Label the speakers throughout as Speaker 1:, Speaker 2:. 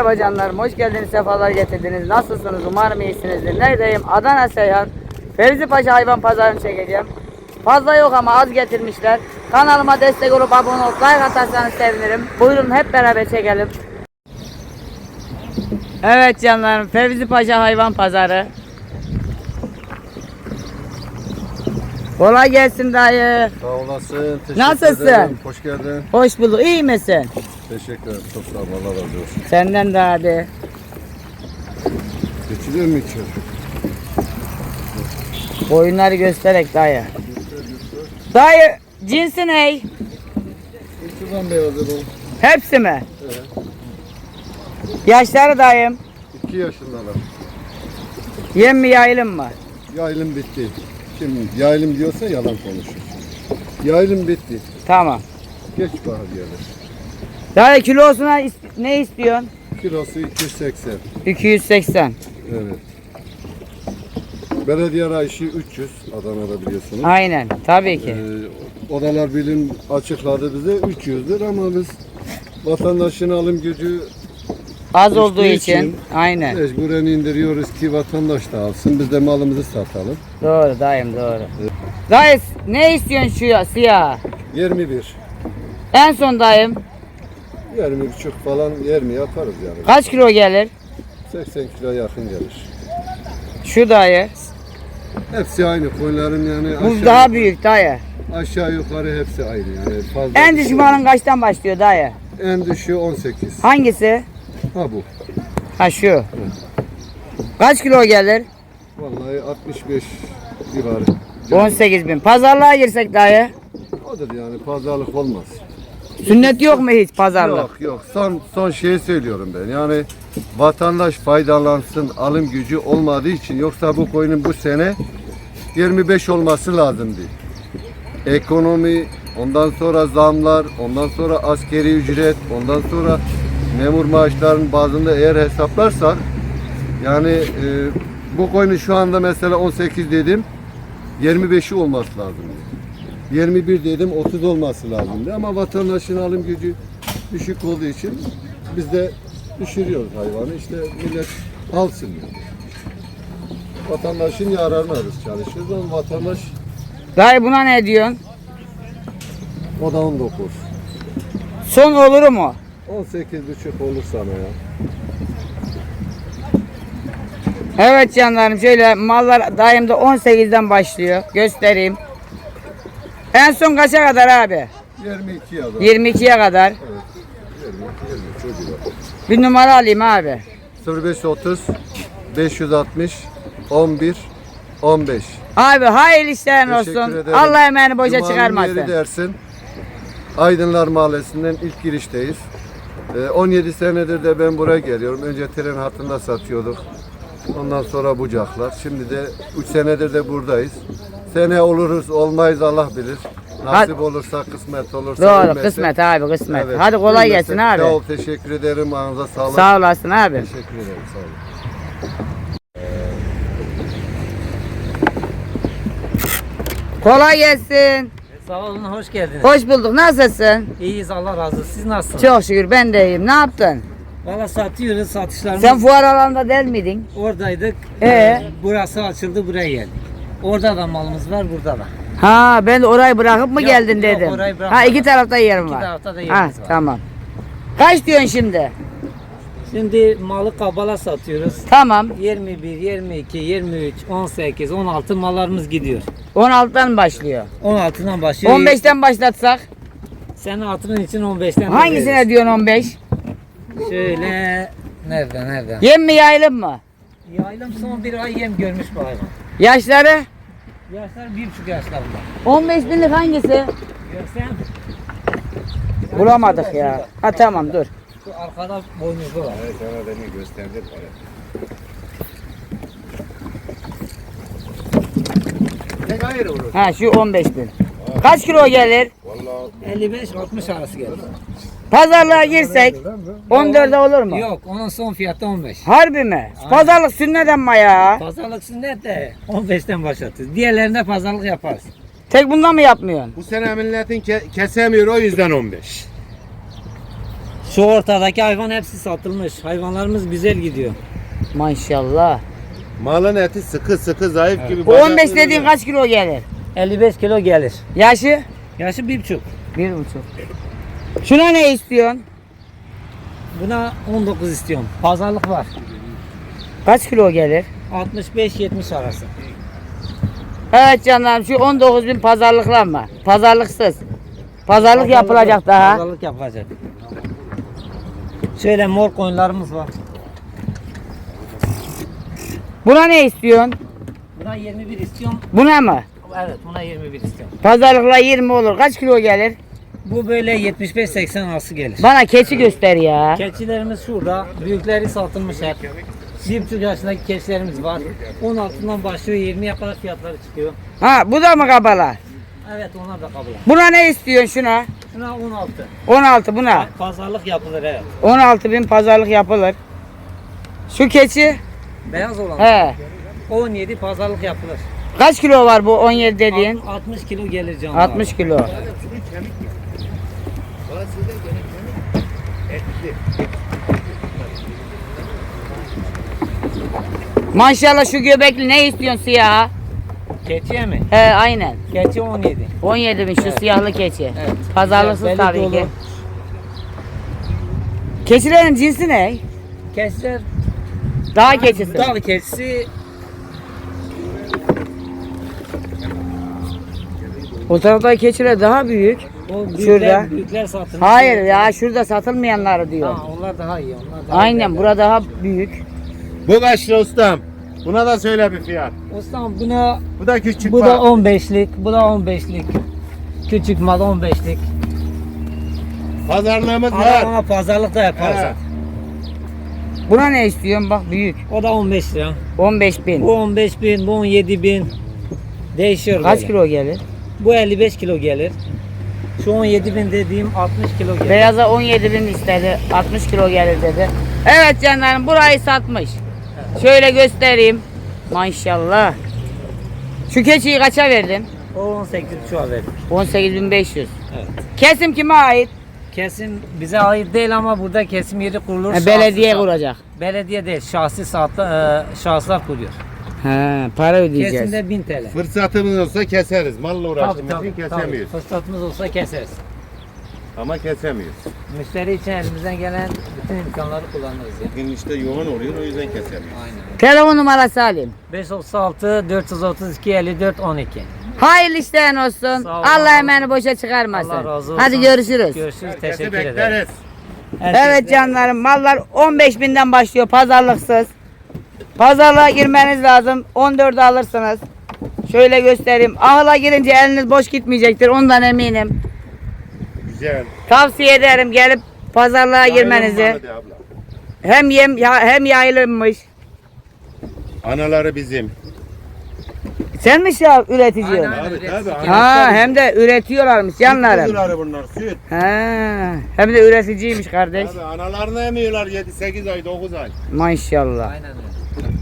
Speaker 1: Merhaba canlarım, hoş geldiniz, sefalar getirdiniz. Nasılsınız? Umarım iyisinizdir. Neredeyim? Adana Seyhan Fevzi Paşa hayvan pazarını çekeceğim. Fazla yok ama az getirmişler. Kanalıma destek olup abone olup like atarsanız sevinirim. Buyurun hep beraber çekelim. Evet canlarım, Fevzi Paşa hayvan pazarı. Kolay gelsin dayı.
Speaker 2: Sağ olasın. Teşekkür
Speaker 1: Nasılsın?
Speaker 2: ederim. Hoş geldin.
Speaker 1: Hoş bulduk. İyi misin?
Speaker 2: Teşekkür ederim. Çok sağ ol. Allah razı olsun.
Speaker 1: Senden de hadi.
Speaker 2: Geçiliyor mu içeri?
Speaker 1: Boyunları göstererek dayı. Dayı cinsi ne?
Speaker 2: İçinden beyazı bu.
Speaker 1: Hepsi mi?
Speaker 2: Evet.
Speaker 1: Yaşları dayım.
Speaker 2: 2 yaşındalar.
Speaker 1: Yem mi yayılım mı?
Speaker 2: Yaylım bitti. Kim yaylım diyorsa yalan konuşur. Yaylım bitti.
Speaker 1: Tamam.
Speaker 2: Geç bahar gelir.
Speaker 1: Dayı kilosuna ne istiyorsun?
Speaker 2: Kilosu 280.
Speaker 1: 280.
Speaker 2: Evet. Belediye rayışı 300. Adana'da biliyorsunuz.
Speaker 1: Aynen tabii ki.
Speaker 2: Odalar bilim açıkladı bize 300'dür ama biz vatandaşın alım gücü
Speaker 1: Az olduğu
Speaker 2: düştüğü
Speaker 1: için. Aynen.
Speaker 2: mecburen indiriyoruz ki vatandaş da alsın. Biz de malımızı satalım.
Speaker 1: Doğru dayım doğru. Dayı ne istiyorsun şu siyah?
Speaker 2: 21.
Speaker 1: En son dayım
Speaker 2: 20,5 falan 20 yaparız yani.
Speaker 1: kaç kilo gelir?
Speaker 2: 80 kilo yakın gelir.
Speaker 1: Şu dayı.
Speaker 2: Hepsi aynı koyunların yani
Speaker 1: Bu daha büyük dayı.
Speaker 2: aşağı yukarı hepsi aynı yani. Fazla
Speaker 1: En
Speaker 2: bir
Speaker 1: düşük
Speaker 2: şey
Speaker 1: malın
Speaker 2: yok.
Speaker 1: kaçtan başlıyor dayı?
Speaker 2: En düşüğü 18.
Speaker 1: Hangisi?
Speaker 2: Ha bu.
Speaker 1: Ha şu. Kaç kilo gelir?
Speaker 2: Vallahi 65 civarı.
Speaker 1: 18.000. Pazarlığa girsek dayı.
Speaker 2: Odur yani pazarlık olmaz.
Speaker 1: Sünnet yok mu hiç pazarlık?
Speaker 2: Yok. Son şeyi söylüyorum ben. Yani vatandaş faydalansın, alım gücü olmadığı için, yoksa bu koyunun bu sene 25 olması lazımdı. Ekonomi, ondan sonra zamlar, ondan sonra askeri ücret, ondan sonra memur maaşlarının bazında eğer hesaplarsak yani bu koyunun şu anda mesela 18 dedim, 25'i olması lazımdı. 21 dedim 30 olması lazımdı ama vatandaşın alım gücü düşük olduğu için biz de düşürüyoruz hayvanı. İşte millet alsın yani. Vatandaşın yararına biz çalışıyoruz ama vatandaş
Speaker 1: Dayı buna ne diyorsun?
Speaker 2: o da 19.
Speaker 1: Son olur mu?
Speaker 2: 18,5 olur sana ya.
Speaker 1: Evet canlarım, şöyle mallar dayımda 18'den başlıyor. Göstereyim. En son kaça kadar abi?
Speaker 2: 22 ya da.
Speaker 1: 22'ye kadar.
Speaker 2: Evet. 20 çocuğu.
Speaker 1: Bir numara alayım abi.
Speaker 2: 0530 560 11 15.
Speaker 1: Abi hayırlı işler
Speaker 2: Teşekkür
Speaker 1: olsun.
Speaker 2: ederim.
Speaker 1: Allah emeğini boşa
Speaker 2: Cuma'nın
Speaker 1: çıkarmasın.
Speaker 2: yeri dersin. Aydınlar Mahallesi'nden ilk girişteyiz. 17 senedir de ben buraya geliyorum. Önce tren hattında satıyorduk. Ondan sonra bucaklar. Şimdi de 3 senedir de buradayız. Sene oluruz, olmayız Allah bilir. Nasip olursa, kısmet olursa.
Speaker 1: Doğru,
Speaker 2: ölmezse-
Speaker 1: kısmet abi, kısmet.
Speaker 2: Evet,
Speaker 1: Hadi kolay
Speaker 2: ölmezse-
Speaker 1: gelsin abi.
Speaker 2: Sağ ol, teşekkür ederim. Ağzınıza sağlık.
Speaker 1: Sağ olasın abi.
Speaker 2: Teşekkür ederim, sağ olun.
Speaker 1: Kolay gelsin.
Speaker 3: Sağ olun, hoş geldiniz.
Speaker 1: Hoş bulduk. Nasılsın?
Speaker 3: İyiyiz, Allah razı olsun. Siz nasılsınız?
Speaker 1: Çok şükür ben de iyiyim. Ne yaptın?
Speaker 3: Valla satıyoruz, satışlarımız
Speaker 1: Sen fuar alanında değil miydin?
Speaker 3: oradaydık. Burası açıldı, buraya geldik. Orada da malımız var, burada da.
Speaker 1: Ha, ben de orayı bırakıp mı
Speaker 3: Yok,
Speaker 1: geldin
Speaker 3: yok,
Speaker 1: dedim.
Speaker 3: orayı bırakmadım.
Speaker 1: Ha, iki tarafta yerim
Speaker 3: İki
Speaker 1: var.
Speaker 3: tarafta da yerimiz
Speaker 1: Ha,
Speaker 3: var.
Speaker 1: tamam. Kaç diyorsun şimdi?
Speaker 3: Şimdi malı kabala satıyoruz.
Speaker 1: Tamam.
Speaker 3: 21, 22, 23, 18, 16 mallarımız gidiyor.
Speaker 1: 16'dan başlıyor.
Speaker 3: 16'dan başlıyor.
Speaker 1: 15'ten başlatsak?
Speaker 3: Senin altının için 15'ten
Speaker 1: Hangisine
Speaker 3: veririz.
Speaker 1: diyorsun 15?
Speaker 3: Şöyle, nereden?
Speaker 1: Yem mi yayılım mı?
Speaker 3: Yaylım son bir ay yem görmüş bu hayvan.
Speaker 1: Yaşları?
Speaker 3: Yaşlar 1,5 yaşlarında.
Speaker 1: 15 binlik hangisi?
Speaker 3: Görsem.
Speaker 1: Bulamadık ya. Ha tamam dur.
Speaker 3: Şu arkada boynuzlu var.
Speaker 2: Evet, sana beni gösterdi. Tek hayır olur.
Speaker 1: Ha şu 15 bin. Kaç kilo gelir?
Speaker 2: Vallahi
Speaker 3: 55-60 arası gelir.
Speaker 1: Pazarlığa girsek 14'e olur mu?
Speaker 3: Yok, onun son fiyatı 15.
Speaker 1: Harbi mi? Pazarlık sünnet ama ya.
Speaker 3: Pazarlık sünnet de 15'ten başlatırız. Diğerlerinde pazarlık yaparız.
Speaker 1: Tek bundan mı yapmıyorsun?
Speaker 4: Bu sene milletin kesemiyor, o yüzden 15.
Speaker 3: Şu ortadaki hayvan hepsi satılmış. Hayvanlarımız güzel gidiyor.
Speaker 1: Maşallah.
Speaker 4: Malın eti sıkı sıkı zayıf gibi.
Speaker 1: Bu 15 dediğin kaç kilo gelir?
Speaker 3: 55 kilo gelir.
Speaker 1: Yaşı?
Speaker 3: Yaşı 1,5.
Speaker 1: 1,5. Şuna ne istiyorsun?
Speaker 3: Buna 19 istiyorum. Pazarlık var.
Speaker 1: Kaç kilo gelir?
Speaker 3: 65-70 arası.
Speaker 1: Evet canlarım, şu 19.000 pazarlıklar mı? Pazarlıksız. Pazarlık yapılacak daha.
Speaker 3: Pazarlık yapılacak. Şöyle mor koyunlarımız var.
Speaker 1: Buna ne istiyorsun?
Speaker 3: Buna 21 istiyorum.
Speaker 1: Buna mı?
Speaker 3: Evet, buna 21 istiyorum.
Speaker 1: Pazarlıkla 20 olur. Kaç kilo gelir?
Speaker 3: Bu böyle 75-80 arası gelir.
Speaker 1: Bana keçi göster ya.
Speaker 3: Keçilerimiz şurada. Büyükleri satılmış hep. 1,5 yaşındaki keçilerimiz var. 16'dan başlıyor, 20'ye kadar fiyatları çıkıyor.
Speaker 1: Ha, bu da mı kabala?
Speaker 3: Evet, onlar da kabul.
Speaker 1: Buna ne istiyorsun şuna?
Speaker 3: Şuna 16.
Speaker 1: 16 buna.
Speaker 3: Pazarlık yapılır, evet.
Speaker 1: 16.000 pazarlık yapılır. Şu keçi?
Speaker 3: Beyaz olan
Speaker 1: He.
Speaker 3: 17 pazarlık yapılır.
Speaker 1: Kaç kilo var bu 17 dediğin?
Speaker 3: 60 kilo gelir canlı.
Speaker 1: 60 kilo. Maşallah şu göbekli ne istiyorsun siyah?
Speaker 3: Keçiye mi?
Speaker 1: He aynen.
Speaker 3: Keçi 17.
Speaker 1: 17.000 şu
Speaker 3: Evet.
Speaker 1: siyahlı keçi.
Speaker 3: Evet.
Speaker 1: Pazarlıksız
Speaker 3: Beli
Speaker 1: tabii
Speaker 3: dolu.
Speaker 1: ki. Keçilerin cinsi ne?
Speaker 3: Keçiler
Speaker 1: Dağ keçisi.
Speaker 3: dağ keçisi
Speaker 1: O taraftaki keçiler daha büyük.
Speaker 3: o
Speaker 1: Şurada.
Speaker 3: büyükler satılmış.
Speaker 1: Hayır ya, şurada satılmayanları diyor.
Speaker 3: Ha, onlar daha iyi. Onlar daha
Speaker 1: Aynen,
Speaker 3: iyi.
Speaker 1: burada daha büyük.
Speaker 4: Bu kaç lira ustam? Buna da söyle bir fiyat.
Speaker 3: Ustam buna
Speaker 4: Bu da küçük
Speaker 3: bu da
Speaker 4: bak.
Speaker 3: 15'lik, bu da 15'lik. Küçük mal 15'lik.
Speaker 4: Pazarlığımız
Speaker 3: Ama
Speaker 4: var.
Speaker 3: ona pazarlık da yaparız.
Speaker 4: He.
Speaker 1: Buna ne istiyorsun? Bak büyük.
Speaker 3: O da 15 lira.
Speaker 1: 15.000.
Speaker 3: Bu 15 bin, bu 17 bin. Değişiyor
Speaker 1: Kaç
Speaker 3: böyle.
Speaker 1: kilo gelir?
Speaker 3: Bu 55 kilo gelir. Şu 17 bin dediğim 60 kilo gelir.
Speaker 1: Beyaza 17.000 istedi. 60 kilo gelir dedi. Evet canlarım, burayı satmış. Şöyle göstereyim. Maşallah. Şu keçiyi kaça verdin?
Speaker 3: O 18 çuval verdik.
Speaker 1: 18.500.
Speaker 3: Evet.
Speaker 1: Kesim kime ait?
Speaker 3: Kesim bize ait değil ama burada kesim yeri kurulur.
Speaker 1: Belediye
Speaker 3: Şahsi-
Speaker 1: kuracak.
Speaker 3: Belediye değil, şahsi şahıslar kuruyor.
Speaker 1: He, para ödeyeceğiz.
Speaker 3: Kesimde 1000 TL.
Speaker 4: Fırsatımız olsa keseriz. Malla uğraştığımız için
Speaker 3: Tabii.
Speaker 4: kesemiyoruz.
Speaker 3: Fırsatımız olsa keseriz.
Speaker 4: Ama kesemiyoruz.
Speaker 3: Müşteri için elimizden gelen bütün imkanları kullanırız ya.
Speaker 4: Bugün işte yoğun oluyor o yüzden kesemiyoruz.
Speaker 3: Aynen.
Speaker 1: Telefon numarası alayım.
Speaker 3: 536 432 54 12.
Speaker 1: Hayırlı işlerin olsun.
Speaker 3: Sağ ol.
Speaker 1: Allah emeğini boşa çıkarmasın.
Speaker 3: Allah razı olsun.
Speaker 1: Hadi görüşürüz.
Speaker 3: Görüşürüz.
Speaker 4: Kesi
Speaker 3: Teşekkür ederim.
Speaker 4: bekleriz.
Speaker 1: Evet canlarım, mallar 15.000'den başlıyor pazarlıksız. Pazarlığa girmeniz lazım. 14'e alırsınız. Şöyle göstereyim. Ahıla girince eliniz boş gitmeyecektir. Ondan eminim.
Speaker 4: Güzel.
Speaker 1: Tavsiye ederim gelip pazarlığa girmenizi.
Speaker 4: Ayrılma hadi abla.
Speaker 1: Hem yem hem yayılmış.
Speaker 4: Anaları bizim.
Speaker 1: Sen mi ya üretici?
Speaker 3: Aynen.
Speaker 4: Abi tabii.
Speaker 1: Ha, hem de üretiyorlarmış canlarım.
Speaker 4: Kuzuları bunlar süt.
Speaker 1: Ha, hem de üreticiymiş kardeş.
Speaker 4: Abi analarını emiyorlar 7-8 ay 9 ay.
Speaker 1: Maşallah.
Speaker 3: Aynen öyle.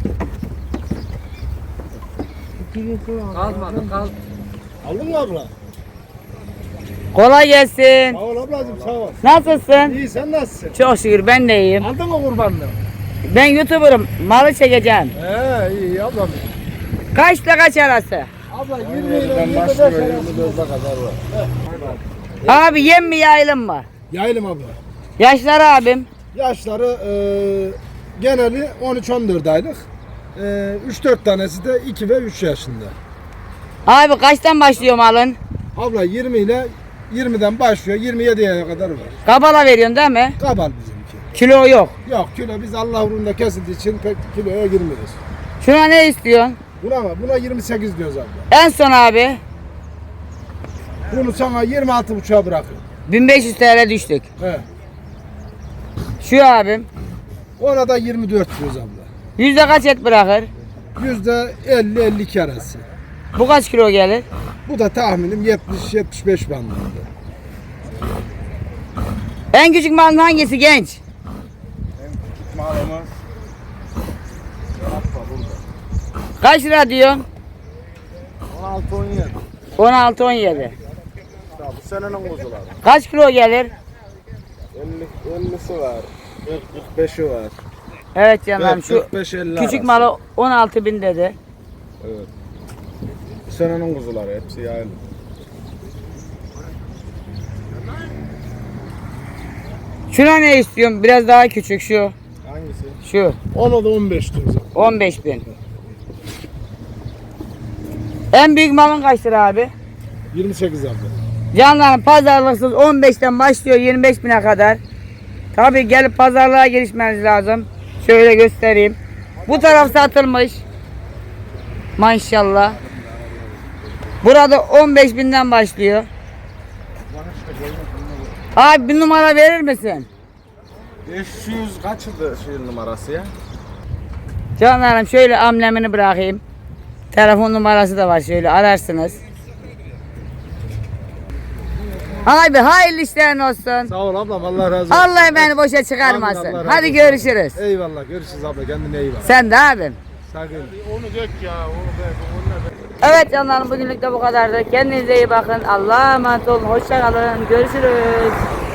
Speaker 3: Kalmadı, kalmadı.
Speaker 5: Aldın mı abla?
Speaker 1: Kolay gelsin.
Speaker 5: Sağ ol ablacığım sağ ol.
Speaker 1: Nasılsın?
Speaker 5: İyi sen nasılsın?
Speaker 1: Çok şükür ben de iyiyim.
Speaker 5: Aldın mı kurbanını?
Speaker 1: Ben YouTuber'ım. Malı çekeceğim.
Speaker 5: İyi ablam.
Speaker 1: Kaçla kaç arası?
Speaker 5: Abla 20 ile 25 arasında kadar var.
Speaker 1: Abi yem mi yayılım mı?
Speaker 5: Yaylım abla.
Speaker 1: Yaşları abim.
Speaker 5: Yaşları geneli 13-14 aylık. 3-4 tanesi de 2 ve 3 yaşında.
Speaker 1: Abi kaçtan başlıyor malın?
Speaker 5: Abla 20 ile 20'den başlıyor 27'ye kadar var.
Speaker 1: Kabala veriyorsun değil mi?
Speaker 5: Kabal bizimki.
Speaker 1: Kilo yok.
Speaker 5: Yok kilo biz Allah uğrunda kesildiği için pek kiloya girmiyoruz.
Speaker 1: Şuna ne istiyorsun?
Speaker 5: Buna 28 diyoruz abla.
Speaker 1: En son abi
Speaker 5: Bunu sana 26,5'a bırakıyorum.
Speaker 1: 1500 TL düştük.
Speaker 5: He.
Speaker 1: Şu abim
Speaker 5: Ona da 24 diyoruz abla.
Speaker 1: yüzde kaç et bırakır?
Speaker 5: %50-52 arası.
Speaker 1: Bu kaç kilo gelir?
Speaker 5: Bu da tahminim 70-75 bandında.
Speaker 1: En küçük malın hangisi genç?
Speaker 4: Malımız.
Speaker 1: Kaç lira diyorsun?
Speaker 5: 16-17.
Speaker 1: 16-17.
Speaker 5: Bu senenin kuzuları.
Speaker 1: Kaç kilo gelir?
Speaker 5: 50 50'si var. 45'i var.
Speaker 1: Evet canlarım şu
Speaker 5: 45-50
Speaker 1: küçük
Speaker 5: arası.
Speaker 1: malı 16.000 dedi.
Speaker 5: Evet. Senenin kuzuları hepsi yaylı.
Speaker 1: Şuna ne istiyorsun? Biraz daha küçük şu.
Speaker 5: Hangisi?
Speaker 1: Şu
Speaker 5: Ona da 15 diyoruz.
Speaker 1: 15.000. En büyük malın kaç lira abi?
Speaker 5: 28 abi.
Speaker 1: Canlarım pazarlıksız 15'ten başlıyor 25.000'e kadar. Tabi gelip pazarlığa girişmeniz lazım. Şöyle göstereyim. Bu taraf satılmış. Maşallah. Burada 15.000'den başlıyor. Abi bir numara verir misin?
Speaker 5: 500 kaçıdı şey numarası ya?
Speaker 1: Canlarım şöyle amblemini bırakayım. Telefon numarası da var, şöyle ararsınız. Abi hayırlı işlerin olsun.
Speaker 5: Sağ ol ablam, Allah razı olsun.
Speaker 1: Allah beni boşa çıkarmasın.
Speaker 5: Amin, Allah razı
Speaker 1: Hadi
Speaker 5: olsun.
Speaker 1: görüşürüz.
Speaker 5: Eyvallah, görüşürüz abla, kendine iyi bak.
Speaker 1: Sen de abim.
Speaker 5: Sakın.
Speaker 4: Onu dök ya. Onu
Speaker 1: Evet canlarım, bugünlük de bu kadardı. Kendinize iyi bakın. Allah'a emanet olun. Hoşça kalın. Görüşürüz.